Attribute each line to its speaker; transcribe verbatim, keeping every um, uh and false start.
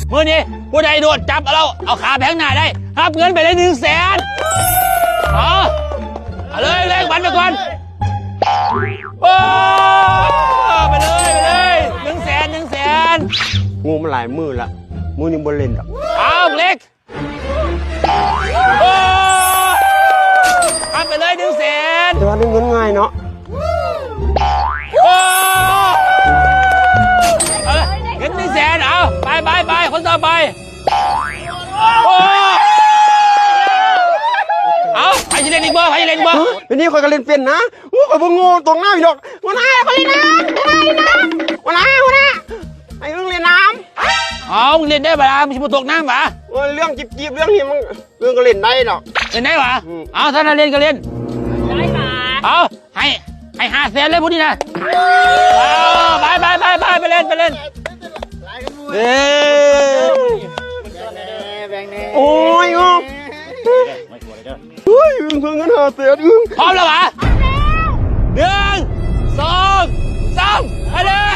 Speaker 1: มือนี้ผู้ใดโดดจับเราเอาขาแพงหน้าได้รับเงินไปเลยหนึ่งแสนเอาเอาเลยเลยวันไปก่อนโอ้ไปเลยไปเลยหนึ่งแสนหนึ่งแสน
Speaker 2: งูมันหลายมือละมือนี่บนเล่นดอก
Speaker 1: เอาเล็กโอ้รับไปเลยหนึ่งแสน
Speaker 2: แต่ว่าได้เงินง่ายเนาะ
Speaker 1: โอ้เอาเงินหนึ่งแสนเอาไปไปไปคนต่อไปโอ้เอาใครจะเล่นอีกบ่ใครจะเล่นอีกบ่
Speaker 2: วันนี้คอยก็เล่นเป็นนะอู้คอยบ่งูตรงหน้าพี่ดอกวันน้าคอยเล่นน้ำวันน้าวันน้าไอ้เรื่องเล่นน้ำ
Speaker 1: เอามึงเล่นได้ปะล่ะมึงชิบตกน้ำปะ
Speaker 2: เรื่องจีบจีบเรื่องนี้มันเรื่องก็เล่นได้ดอก
Speaker 1: เล่นได้ปะเอาถ้าเราเล่นก็เล่นได้ปะเอาให้ให้ห้าแสนเลยพวกนี้นะเอาไปไปไปไปไปเล่นไปเล่นเอ้
Speaker 2: โอ้ยงงเฮ้ยอึ้งเพิ่งเงินหาแสนอึ้ง
Speaker 1: พร้อมแล้วปะหนึ่งสองสามไปเลย